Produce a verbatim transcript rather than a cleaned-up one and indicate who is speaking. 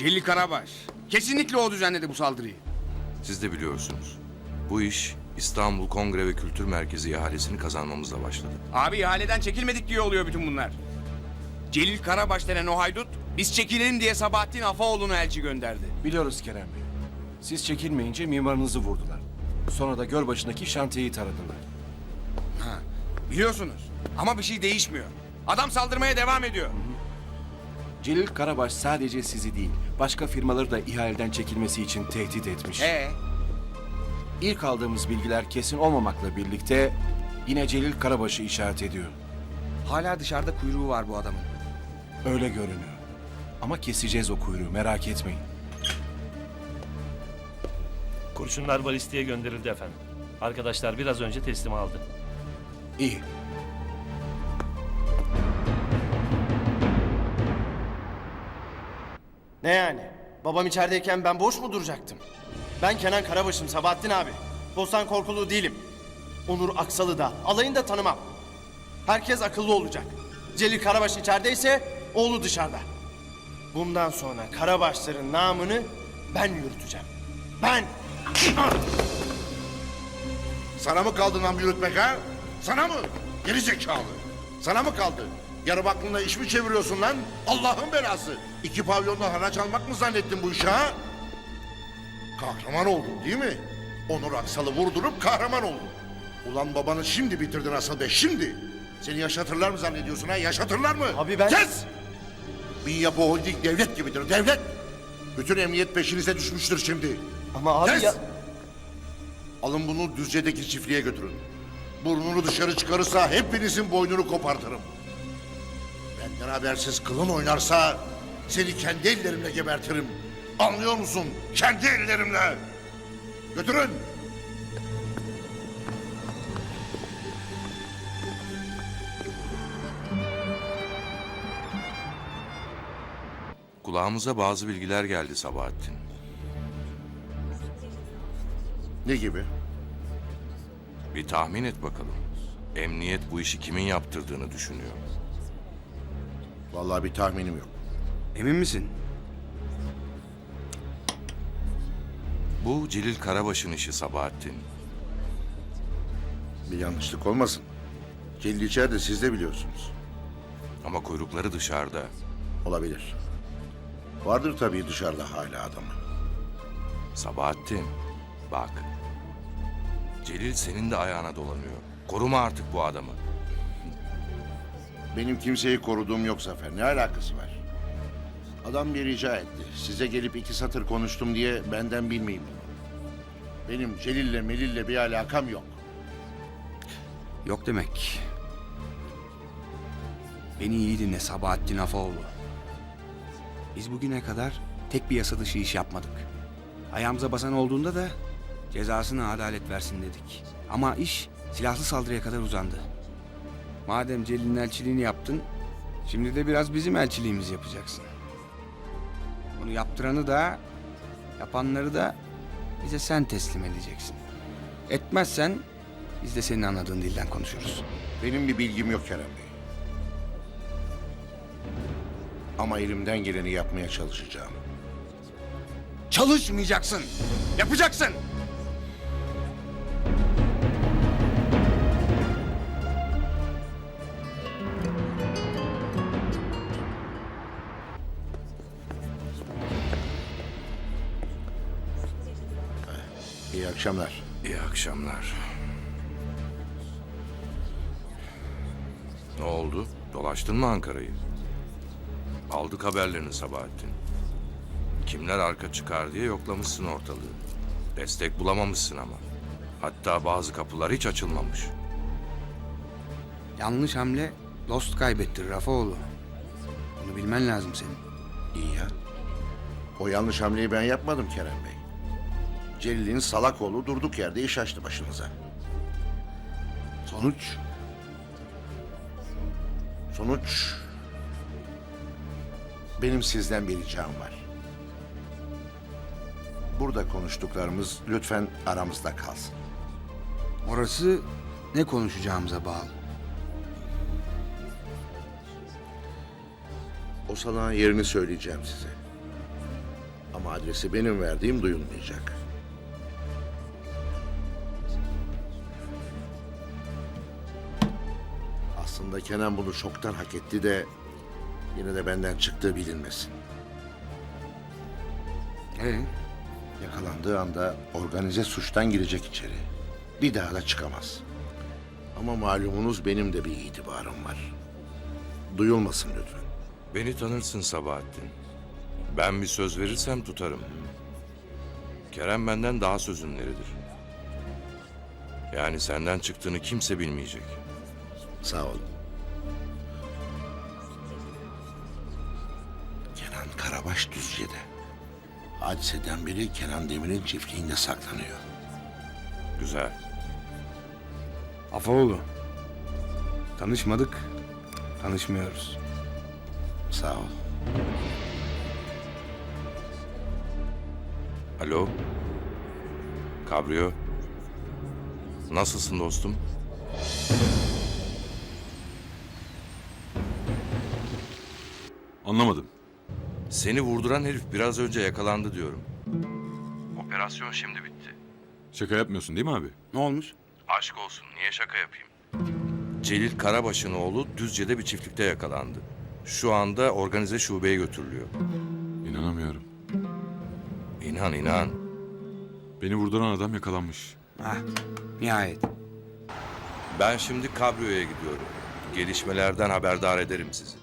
Speaker 1: Celil Karabaş. Kesinlikle o düzenledi bu saldırıyı.
Speaker 2: Siz de biliyorsunuz. Bu iş İstanbul Kongre ve Kültür Merkezi ihalesini kazanmamızla başladı.
Speaker 1: Abi ihaleden çekilmedik diye oluyor bütün bunlar. Celil Karabaş denen o haydut biz çekilelim diye Sabahattin Afaoğlu'na elçi gönderdi.
Speaker 3: Biliyoruz Kerem Bey. Siz çekilmeyince mimarınızı vurdular. Sonra da Gölbaşı'ndaki şantiyeyi taradılar.
Speaker 1: Ha, biliyorsunuz ama bir şey değişmiyor. Adam saldırmaya devam ediyor.
Speaker 3: Celil Karabaş sadece sizi değil, başka firmaları da ihaleden çekilmesi için tehdit etmiş.
Speaker 1: Ee,
Speaker 3: İlk aldığımız bilgiler kesin olmamakla birlikte yine Celil Karabaş'ı işaret ediyor.
Speaker 1: hala dışarıda kuyruğu var bu adamın.
Speaker 3: Öyle görünüyor. Ama keseceğiz o kuyruğu, merak etmeyin.
Speaker 4: Kurşunlar balistiğe gönderildi efendim. Arkadaşlar biraz önce teslim aldı.
Speaker 3: İyi.
Speaker 5: Ne yani? Babam içerideyken ben boş mu duracaktım? Ben Kenan Karabaş'ım Sabahattin abi. Bostan korkulu değilim. Onur Aksal'ı da, alayını da tanımam. Herkes akıllı olacak. Celil Karabaş içerideyse oğlu dışarıda. Bundan sonra Karabaşların namını ben yürüteceğim. Ben!
Speaker 6: Sana mı kaldı nam yürütmek ha? Sana mı? Geri zekalı. Sana mı kaldı? Yarım aklınla iş mi çeviriyorsun lan? Allah'ın belası. İki pavyonda haraç almak mı zannettin bu işi ha? Kahraman oldun değil mi? Onur Aksal'ı vurdurup kahraman oldun. Ulan babanı şimdi bitirdin asıl be, şimdi. Seni yaşatırlar mı zannediyorsun ha? Yaşatırlar mı?
Speaker 5: Abi ben-
Speaker 6: Kes! Bin Yapı Holding devlet gibidir, devlet. Bütün emniyet peşinize düşmüştür şimdi.
Speaker 5: Ama abi
Speaker 6: Kes!
Speaker 5: ya...
Speaker 6: Alın bunu Düzce'deki çiftliğe götürün. Burnunu dışarı çıkarırsa hepinizin boynunu kopartırım. Benden habersiz kılın oynarsa seni kendi ellerimle gebertirim. Anlıyor musun? Kendi ellerimle. Götürün.
Speaker 2: Kulağımıza bazı bilgiler geldi Sabahattin.
Speaker 6: Ne gibi?
Speaker 2: Bir tahmin et bakalım. Emniyet bu işi kimin yaptırdığını düşünüyor.
Speaker 6: Vallahi bir tahminim yok.
Speaker 1: Emin misin?
Speaker 2: Bu Celil Karabaş'ın işi Sabahattin.
Speaker 6: Bir yanlışlık olmasın. Celil içeride, siz de biliyorsunuz.
Speaker 2: Ama kuyrukları dışarıda.
Speaker 6: Olabilir. Vardır tabii dışarıda hala adamı.
Speaker 2: Sabahattin, bak. Celil senin de ayağına dolanıyor. Koruma artık bu adamı.
Speaker 6: Benim kimseyi koruduğum yok Zafer. Ne alakası var? Adam bir rica etti. Size gelip iki satır konuştum diye benden bilmeyin bunu. Benim Celil'le Melil'le bir alakam yok.
Speaker 1: Yok demek. Beni iyi dinle Sabahattin Afaoğlu. Biz bugüne kadar tek bir yasa dışı iş yapmadık. Ayağımıza basan olduğunda da cezasını adalet versin dedik. Ama iş silahlı saldırıya kadar uzandı. Madem Celil'in elçiliğini yaptın, şimdi de biraz bizim elçiliğimizi yapacaksın. Bunu yaptıranı da, yapanları da bize sen teslim edeceksin. Etmezsen biz de senin anladığın dilden konuşuruz.
Speaker 6: Benim bir bilgim yok Kerem Bey. Ama elimden geleni yapmaya çalışacağım.
Speaker 1: Çalışmayacaksın, yapacaksın.
Speaker 6: İyi akşamlar.
Speaker 2: İyi akşamlar. Ne oldu? Dolaştın mı Ankara'yı? Aldık haberlerini Sabahattin. Kimler arka çıkar diye yoklamışsın ortalığı. Destek bulamamışsın ama. Hatta bazı kapılar hiç açılmamış.
Speaker 1: Yanlış hamle dost kaybettir Rafaoğlu. Bunu bilmen lazım senin.
Speaker 6: İyi ya. O yanlış hamleyi ben yapmadım Kerem Bey. Celil'in salak oğlu durduk yerde iş açtı başınıza.
Speaker 1: Sonuç?
Speaker 6: Sonuç... Benim sizden bir ricam var. Burada konuştuklarımız lütfen aramızda kalsın.
Speaker 1: Orası ne konuşacağımıza bağlı.
Speaker 6: O salağın yerini söyleyeceğim size. Ama adresi benim verdiğim duyulmayacak. Aslında Kenan bunu çoktan hak etti de yine de benden çıktığı bilinmesin.
Speaker 1: Ee,
Speaker 6: Yakalandığı anda organize suçtan girecek içeri. Bir daha da çıkamaz. Ama malumunuz benim de bir itibarım var. Duyulmasın lütfen.
Speaker 2: Beni tanırsın Sabahattin. Ben bir söz verirsem tutarım. Kerem benden daha sözünleridir. Yani senden çıktığını kimse bilmeyecek.
Speaker 6: Sağ olun. Kenan Karabaş Düzce'de. Hadiseden beri Kenan Demir'in çiftliğinde saklanıyor.
Speaker 2: Güzel.
Speaker 1: Afaoğlu. Tanışmadık, tanışmıyoruz.
Speaker 6: Sağ ol.
Speaker 2: Alo. Kabrio. Nasılsın dostum?
Speaker 7: Anlamadım.
Speaker 2: Seni vurduran herif biraz önce yakalandı diyorum. Operasyon şimdi bitti.
Speaker 7: Şaka yapmıyorsun değil mi abi?
Speaker 1: Ne olmuş?
Speaker 2: Aşk olsun, niye şaka yapayım? Celil Karabaş'ın oğlu Düzce'de bir çiftlikte yakalandı. Şu anda organize şubeye götürülüyor.
Speaker 7: İnanamıyorum.
Speaker 2: İnan inan.
Speaker 7: Beni vurduran adam yakalanmış.
Speaker 1: Ah, nihayet.
Speaker 2: Ben şimdi Kabrio'ya gidiyorum. Gelişmelerden haberdar ederim sizi.